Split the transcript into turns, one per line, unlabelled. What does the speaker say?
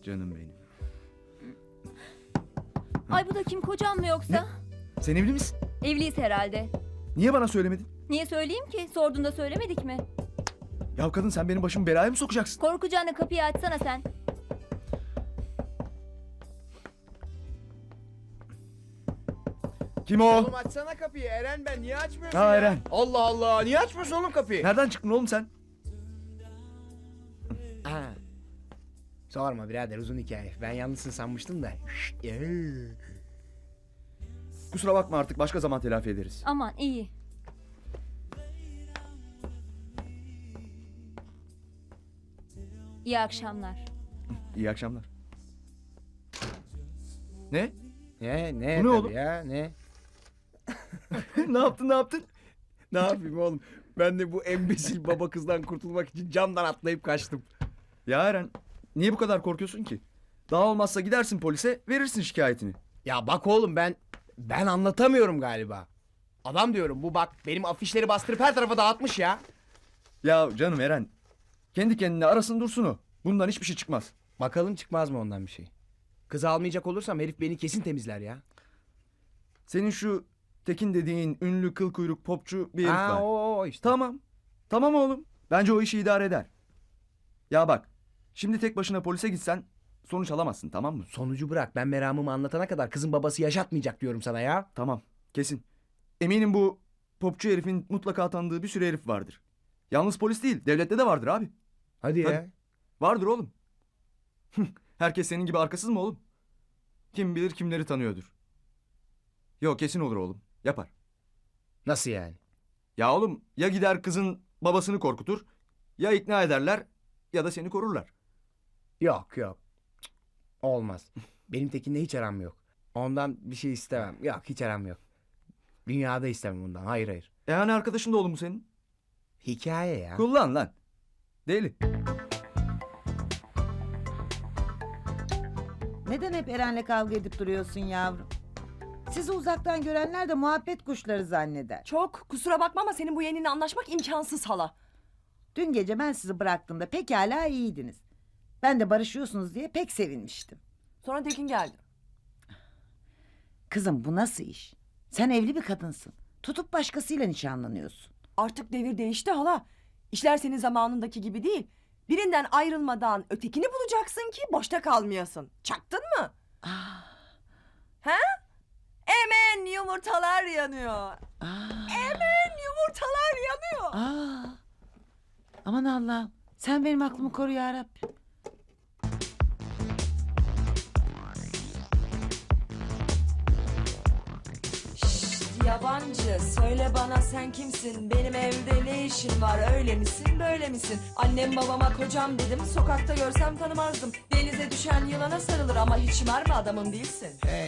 Canım benim.
Ay bu da kim, kocam mı yoksa?
Sen evli misin?
Evliyiz herhalde.
Niye bana söylemedin?
Niye söyleyeyim ki? Sorduğunda söylemedik mi?
Ya kadın, sen benim başımı belaya mı sokacaksın?
Korkacağına kapıyı açsana sen.
Kim o?
Oğlum açsana kapıyı. Eren ben. Niye açmıyorsun
Ha,
ya?
Eren.
Allah Allah. Niye açmıyorsun oğlum kapıyı?
Nereden çıktın oğlum sen?
Ha. Sorma birader, uzun hikaye. Ben yalnızsın sanmıştım da.
Kusura bakma, artık başka zaman telafi ederiz.
Aman iyi. İyi akşamlar.
İyi akşamlar. Ne?
Ne
Bu ne
tabii
oğlum?
ya, ne?
Ne yaptın, ne yaptın?
Ne yapayım oğlum? Ben de bu embesil baba kızdan kurtulmak için camdan atlayıp kaçtım.
Ya Eren, niye bu kadar korkuyorsun ki? Daha olmazsa gidersin polise, verirsin şikayetini.
Ya bak oğlum, ben anlatamıyorum galiba. Adam diyorum, bu bak benim afişleri bastırıp her tarafa dağıtmış ya.
Ya canım Eren, kendi kendine arasın dursun o. Bundan hiçbir şey çıkmaz.
Bakalım çıkmaz mı ondan bir şey. Kız almayacak olursam herif beni kesin temizler ya.
Senin şu Tekin dediğin ünlü kıl kuyruk popçu bir herif var.
Ha, o işte.
Tamam. Tamam oğlum. Bence o işi idare eder. Ya bak, şimdi tek başına polise gitsen sonuç alamazsın, tamam mı?
Sonucu bırak, ben meramımı anlatana kadar kızın babası yaşatmayacak diyorum sana ya.
Tamam, kesin. Eminim bu popçu herifin mutlaka tanıdığı bir sürü herif vardır. Yalnız polis değil, devlette de vardır abi.
Hadi ya.
Hadi. Vardır oğlum. Herkes senin gibi arkasız mı oğlum? Kim bilir kimleri tanıyordur. Yok, kesin olur oğlum. Yapar.
Nasıl yani?
Ya oğlum, ya gider kızın babasını korkutur, ya ikna ederler, ya da seni korurlar.
Yok. Cık, olmaz. Benim Tekin'le hiç aram yok. Ondan bir şey istemem. Yok, hiç aram yok. Dünyada istemem ondan. Hayır.
E hani arkadaşın da oğlum bu senin?
Hikaye ya.
Kullan lan. Deli.
Neden hep Eren'le kavga edip duruyorsun yavrum? Sizi uzaktan görenler de muhabbet kuşları zanneder.
Çok kusura bakma ama senin bu yeğeninle anlaşmak imkansız hala.
Dün gece ben sizi bıraktığımda pekala iyiydiniz. Ben de barışıyorsunuz diye pek sevinmiştim.
Sonra Tekin geldi.
Kızım, bu nasıl iş? Sen evli bir kadınsın. Tutup başkasıyla nişanlanıyorsun.
Artık devir değişti hala. İşler senin zamanındaki gibi değil. Birinden ayrılmadan ötekini bulacaksın ki boşta kalmayasın. Çaktın mı? He? Hemen yumurtalar yanıyor. Hemen yumurtalar yanıyor.
Aman Allah'ım. Sen benim aklımı koru ya Rabbim.
Yabancı söyle bana sen kimsin, benim evde ne işin var, öyle misin böyle misin? Annem babama kocam dedim, sokakta görsem tanımazdım. Denize düşen yılana sarılır ama hiç mermi adamım değilsin.